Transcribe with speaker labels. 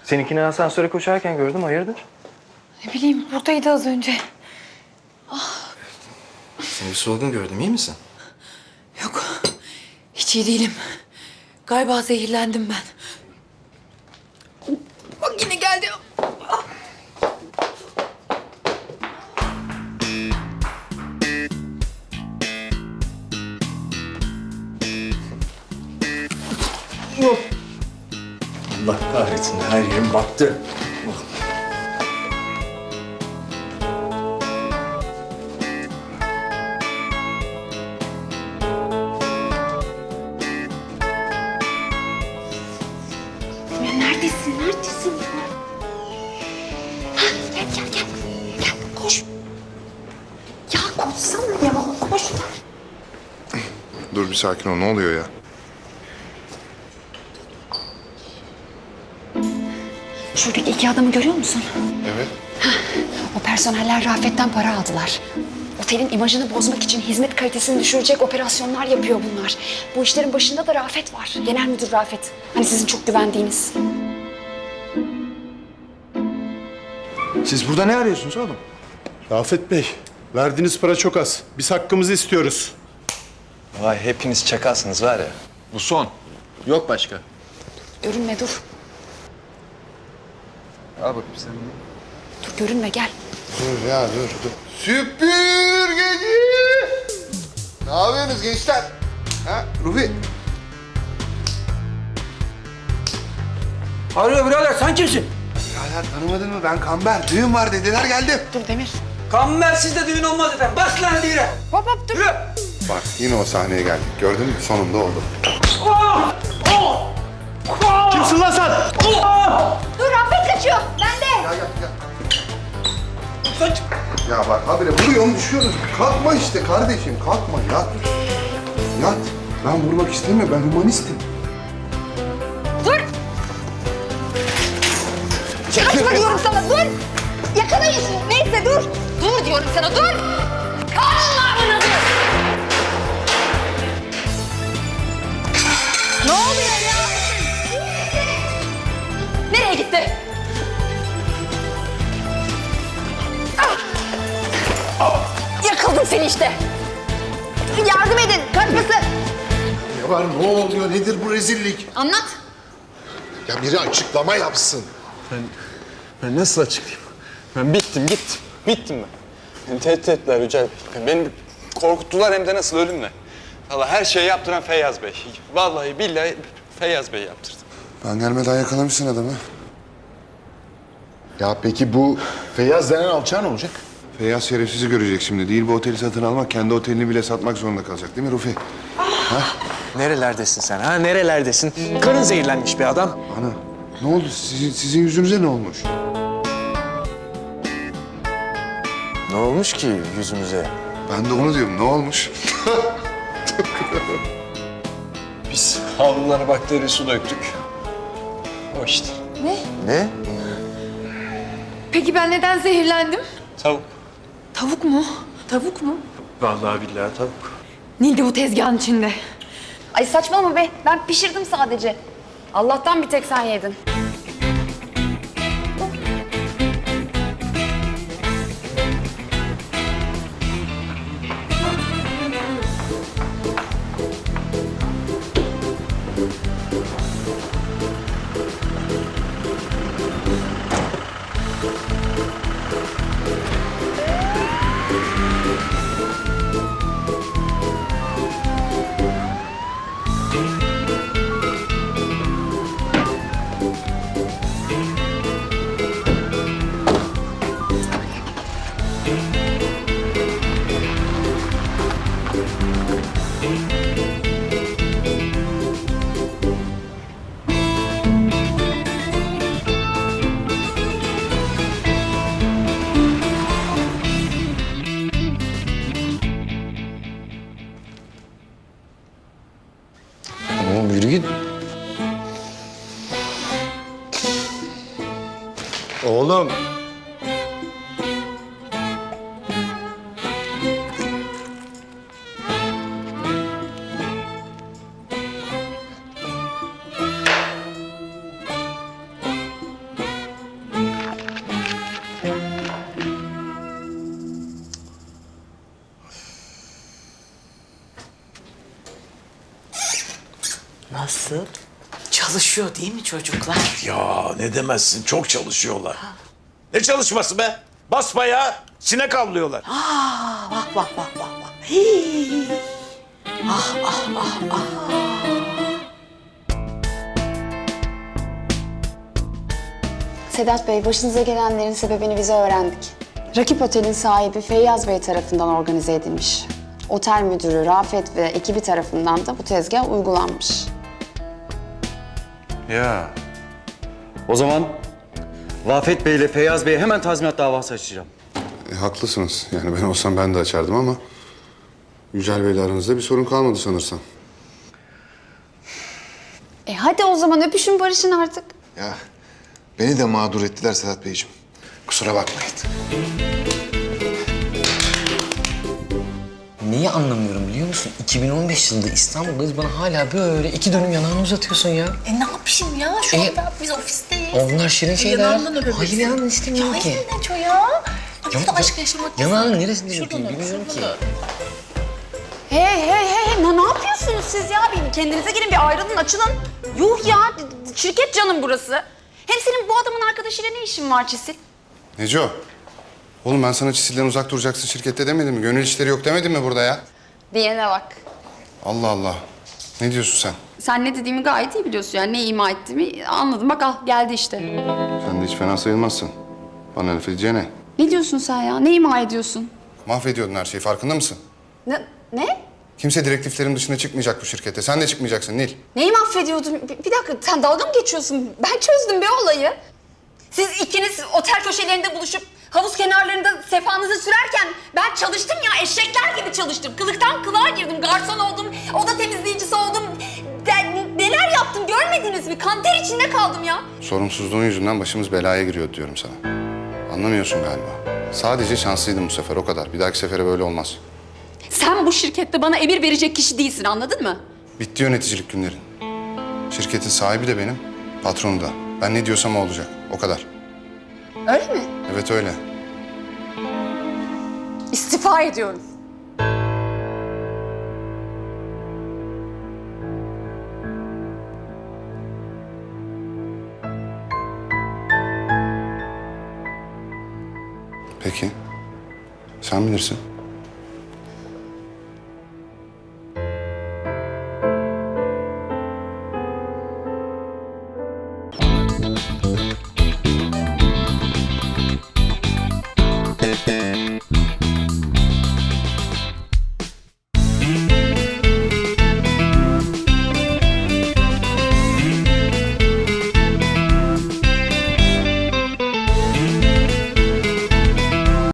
Speaker 1: Seninkini asansöre koşarken gördüm, hayırdır?
Speaker 2: Ne bileyim, buradaydı az önce.
Speaker 1: Seni bir solgun gördüm, iyi misin?
Speaker 2: Yok, hiç iyi değilim. Galiba zehirlendim ben. Bak yine geldi.
Speaker 1: Allah kahretsin, her yerim battı.
Speaker 3: Neredesin? Neredesin? Ha, gel, gel, gel. Gel, koş. Ya koşsana ya, koş.
Speaker 4: Dur bir sakin ol. Ne oluyor ya?
Speaker 3: Şuradaki iki adamı görüyor musun?
Speaker 4: Evet.
Speaker 3: O personeller Rafet'ten para aldılar. Otelin imajını bozmak için hizmet kalitesini düşürecek operasyonlar yapıyor bunlar. Bu işlerin başında da Rafet var. Genel müdür Rafet. Hani sizin çok güvendiğiniz.
Speaker 1: Siz burada ne arıyorsunuz oğlum?
Speaker 5: Rafet Bey, verdiğiniz para çok az. Biz hakkımızı istiyoruz.
Speaker 1: Vay hepiniz çakalsınız var ya. Bu son. Yok başka.
Speaker 3: Görünme, dur.
Speaker 1: Al bakayım sen.
Speaker 3: Dur, görünme, gel.
Speaker 4: Dur ya dur. Süpürgeci! Ne yapıyorsunuz gençler? Ha Rufi?
Speaker 6: Hayrola birader sen kimsin?
Speaker 4: Birader tanımadın mı? Ben Kamber. Düğün var dediler geldim.
Speaker 3: Dur Demir.
Speaker 6: Kambersiz de düğün olmaz efendim. Bas lan hadi yürü.
Speaker 3: Hop hop, dur.
Speaker 6: Yürü.
Speaker 4: Bak yine o sahneye geldik. Gördün mü? Sonunda oldu.
Speaker 5: Kimsin lan sen?
Speaker 3: Dur, Rafet kaçıyor. Ben de.
Speaker 6: Kaç.
Speaker 4: Ya bak habire vuruyorum düşüyoruz. Kalkma işte kardeşim. Kalkma yat. Yat. Ben vurmak istemiyorum. Ben humanistim.
Speaker 3: Dur. Kaçma diyorum sana, dur. Yakalayın. Neyse dur. Dur diyorum sana, dur. Kaçma bana, dur. Ne oluyor ya? Nereye gitti? Yakaladım seni işte. Yardım edin, kaçmasın.
Speaker 4: Ne var? Ne oluyor? Nedir bu rezillik?
Speaker 3: Anlat.
Speaker 4: Ya biri açıklama yapsın.
Speaker 7: Ben nasıl açıklayayım? Ben bittim, gittim. Bittim ben. Beni tehdit ettiler Yücel Bey. Beni korkuttular hem de nasıl ölümle. Vallahi her şeyi yaptıran Feyyaz Bey. Vallahi billahi Feyyaz Bey yaptırdı.
Speaker 4: Ben gelmeden yakalamışsın adamı. Ya peki bu Feyyaz denen alçağı ne olacak? Feyyaz şerefsizi görecek şimdi. Değil bu oteli satın almak, kendi otelini bile satmak zorunda kalacak değil mi Rufi?
Speaker 1: Nerelerdesin sen ha? Nerelerdesin? Karın zehirlenmiş bir adam.
Speaker 4: Ana ne oldu? Sizin yüzünüze ne olmuş?
Speaker 1: Ne olmuş ki yüzümüze?
Speaker 4: Ben de onu diyorum. Ne olmuş?
Speaker 7: Biz havlulara bakteri su döktük. O işte.
Speaker 1: Ne?
Speaker 2: Peki ben neden zehirlendim?
Speaker 7: Tavuk.
Speaker 2: Tavuk mu? Tavuk mu?
Speaker 7: Vallahi billahi tavuk.
Speaker 2: Neydi bu tezgahın içinde?
Speaker 3: Ay saçmalama be. Ben pişirdim sadece. Allah'tan bir tek sen yedin.
Speaker 1: Oğlum yürü git. Oğlum.
Speaker 8: Nasıl? Çalışıyor değil mi çocuklar?
Speaker 9: Ya ne demezsin, çok çalışıyorlar. Ne çalışması be? Basbayağı sinek avlıyorlar.
Speaker 8: Bak bak bak bak bak. Hii.
Speaker 3: Sedat Bey, başınıza gelenlerin sebebini bize öğrendik. Rakip otelin sahibi Feyyaz Bey tarafından organize edilmiş. Otel müdürü Rafet ve ekibi tarafından da bu tezgah uygulanmış.
Speaker 7: Ya
Speaker 10: O zaman Vafet Bey ile Feyyaz Bey'e hemen tazminat davası açacağım.
Speaker 4: Haklısınız. Yani ben olsam ben de açardım ama... Yücel Bey'le aranızda bir sorun kalmadı sanırsam.
Speaker 3: Hadi o zaman öpüşün barışın artık.
Speaker 4: Ya beni de mağdur ettiler Sedat Beyciğim. Kusura bakmayın.
Speaker 11: Neyi anlamıyorum biliyor musun? 2015 yılında İstanbul'dayız, bana hala böyle 2 dönüm yanağını uzatıyorsun ya.
Speaker 8: Ne yapayım ya? Şu anda biz ofisteyiz.
Speaker 11: Onlar şirin şeyler.
Speaker 8: Yanağından öpebilirsin.
Speaker 11: Hayır yanağını istemiyorum ki.
Speaker 8: Hayır Neco ya. Şurada aşk yaşamak
Speaker 11: Yanağının neresinde
Speaker 8: Şuradan
Speaker 11: öpeyim
Speaker 8: öp,
Speaker 11: bilmiyorum ki.
Speaker 8: şuradan öp.
Speaker 3: Hey, ne yapıyorsunuz siz ya? Bir kendinize gelin, bir ayrılın, açılın. Yuh ya, şirket canım burası. Hem senin bu adamın arkadaşıyla ne işin var Çisil?
Speaker 4: Neco. Oğlum ben sana Çisil'den uzak duracaksın şirkette demedim mi? Gönül işleri yok demedim mi burada ya?
Speaker 3: Diyene bak.
Speaker 4: Allah Allah. Ne diyorsun sen?
Speaker 3: Sen ne dediğimi gayet iyi biliyorsun yani. Ne ima ettiğimi anladım. Bak al, geldi işte.
Speaker 4: Sen de hiç fena sayılmazsın. Bana laf edeceğine.
Speaker 3: Ne diyorsun sen ya? Ne ima ediyorsun?
Speaker 4: Mahvediyordun her şeyi, farkında mısın?
Speaker 3: Ne?
Speaker 4: Kimse direktiflerin dışına çıkmayacak bu şirkette. Sen de çıkmayacaksın Nil.
Speaker 3: Neyi mahvediyordun? Bir dakika, sen dalga mı geçiyorsun? Ben çözdüm be olayı. Siz ikiniz otel köşelerinde buluşup havuz kenarlarında sefanızı sürerken ben çalıştım ya, eşekler gibi çalıştım. Kılıktan kılığa girdim, garson oldum, oda temizleyicisi oldum. Neler yaptım görmediniz mi? Kanter içinde kaldım ya.
Speaker 4: Sorumsuzluğun yüzünden başımız belaya giriyor diyorum sana. Anlamıyorsun galiba. Sadece şanslıydım bu sefer, o kadar. Bir dahaki sefere böyle olmaz.
Speaker 3: Sen bu şirkette bana emir verecek kişi değilsin, anladın mı?
Speaker 4: Bitti yöneticilik günlerin. Şirketin sahibi de benim, patronu da. Ben ne diyorsam o olacak. O kadar.
Speaker 3: Öyle mi?
Speaker 4: Evet öyle.
Speaker 3: İstifa ediyorum.
Speaker 4: Peki. Sen bilirsin.